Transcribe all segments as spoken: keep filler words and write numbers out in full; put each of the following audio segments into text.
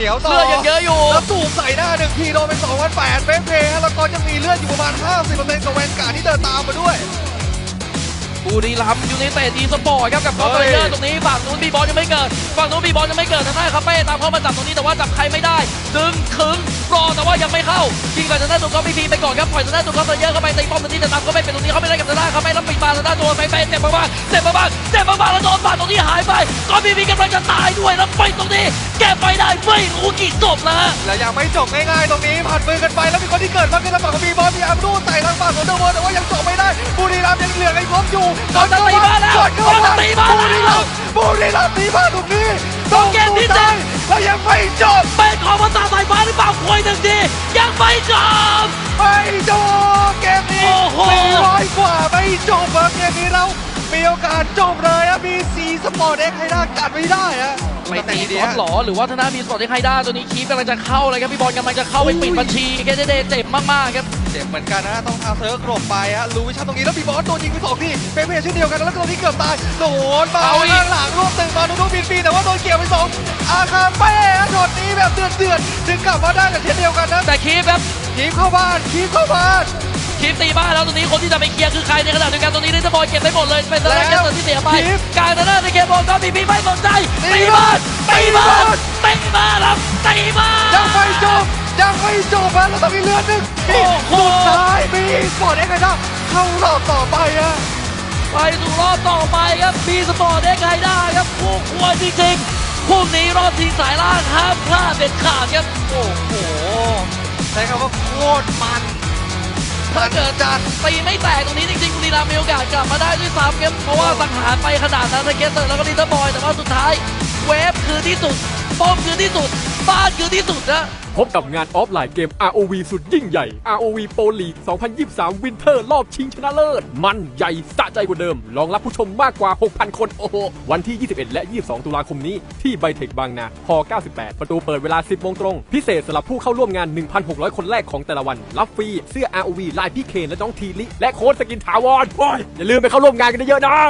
เดี๋ยวต่อเลือดยังเยอะอยู่แล้วสูบใส่หน้าหนึ่งทีโดนเป็นสองพันแปดเฟรมเพย์แล้วก็ยังมีเลือดอยู่ประมาณ ห้าสิบเปอร์เซ็นต์ กับแวนการ์ดที่เดินตามมาด้วยบุรีรัมย์ยูไนเต็ดอีสปอร์ตครับกับคอร์เตอร์ตรงนี้ฝั่งนู้นบีบอลยังไม่เกิดฝั่งนู้นบีบอลยังไม่เกิดทางด้านคาเฟ่ตามเข้ามาจับตรงนี้แต่ว่าจับใครไม่ได้ดึงขึงรอแต่ว่ายังไม่เข้ายิงไปทางด้านตัวก็พีพีไปก่อนครับปล่อยทางด้านตัวก็เยอะเข้าไปตีป้อมตรงนี้แต่ตามก็ไม่เป็นตรงนี้เขาไม่ได้กับทางด้านคาเฟ่แล้วปิดมาทางด้านตัวไปไปเจ็บมากๆเจ็บมากๆเจ็บมากๆแล้วโดนบาดตรงนี้หายไปก็พีพีกำลังจะตายด้วยแล้วไปตรงนี้แก้ไปได้ไม่รู้กี่ศพแล้วฮะและยังไม่จบง่ายๆตรงนี้ผ่านมือกันไปแล้วมีคนที่เกิดมาขึ้นทางฝั่งของบีบอลมีอัมรูใส่ทางฝั่งของเดอะเวิร์แต่ว่ายังจบไม่ได้บุรีรัมย์ยังเหลือไอ้พร้อมอยู่ก่อนจะตีบ้านแล้วก่อนจะตีบ้านแล้วบุรีรัมย์ตีบ้านตรงนี้ต้องเกมที่เจ็ดแล้วยังไม่จบเป็นของภาษาสายฟ้าหรือเปล่าคุยหนึ่งทียังไม่จบไม่จบเกมนี้สี่ร้อยกว่าไม่จบอะเกมนี้เรามีโอกาสจบเลยอะมีซีสปอร์ตเอ็กซ์ให้ได้กัดไม่ได้อะไม่ตีบอลหรอหรือว่าธนามีสปอร์ตที่ใครได้ตัวนี้คีฟกำลังจะเข้าเลยครับพี่บอลกำลังจะเข้าไปปิดบัญชีแกเดเจ็บมากๆครับเจ็บเหมือนกันนะต้องทาเซิร์ฟกรบไปฮะรู้วิชั่นตรงนี้แล้วบีบอลโดนยิงไปสองทีเป็นเพจเช่นเดียวกันแล้วตรงนี้เกือบตายโดนมาข้างหลังรวบตึงมาดูดูบินปีแต่ว่าโดนเกี่ยวไปสองอาคาเป้ช็อตนี้แบบเดือดเดือดถึงกลับมาได้แต่เช่นเดียวกันนะแต่คีฟครับคีฟเข้าบ้านคีฟเข้าบ้านคีฟตีบ้านแล้วตรงนี้คนที่จะไปเคลียร์คือใครในขณะเดียวกันตรงนี้ลิซบอลเก็บได้หมดเลยเป็นตอนแรกเกมที่เสียไปการตอนแรกในเกมบอลก็มีพีไม่สนใจตีบ้านตีบ้านตีบ้านครับตีบ้านยังไม่จบยังไม่จบแล้วต้องมีเลือดหนึ่งสุดท้ายมีสปอร์ตเอ็กซ์ไงนะเข้ารอบต่อไปอะไปสู่รอบต่อไปครับมีสปอร์ตเอ็กซ์ไงได้ครับคู่ควรจริงๆพรุ่งนี้รอบชิงสายล่างห้ามพลาดเด็ดขาดครับโอ้โหใช้คำว่าโคตรมันถ้าเกิดจัดตีไม่แตกตรงนี้จริงๆบุรีรัมย์มีโอกาสกลับมาได้ด้วยซ้ำครับเพราะว่าสังหารไปขนาดนั้นในเกสเตอร์แล้วก็ลิตเติ้ลบอยแต่ว่าสุดท้ายเวฟคือที่สุดป้อมคือที่สุดบ้านคือที่สุดนะพบกับงานออฟไลน์เกม อาร์ โอ วี สุดยิ่งใหญ่ อาร์ โอ วี Pro League สองพันยี่สิบสาม Winter รอบชิงชนะเลิศมันใหญ่สะใจกว่าเดิมรองรับผู้ชมมากกว่า หกพัน คนโอ้โหวันที่ ยี่สิบเอ็ด และ ยี่สิบสอง ตุลาคมนี้ที่ไบเทคบางนาฮเก้าสิบแปด ประตูเปิดเวลา สิบโมงตรงพิเศษสำหรับผู้เข้าร่วมงาน หนึ่งพันหกร้อย คนแรกของแต่ละวันรับฟรีเสื้อ อาร์ โอ วี ลายพี่เคนและน้องทีลิและโค้ดสกินถาวรโอ้ยอย่าลืมไปเข้าร่วมงานกันเยอะๆนะ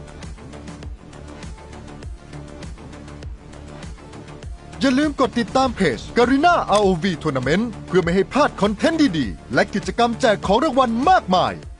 อย่าลืมกดติดตามเพจ Garena อาร์ โอ วี Tournament เพื่อไม่ให้พลาดคอนเทนต์ดีๆและกิจกรรมแจกของรางวัลมากมาย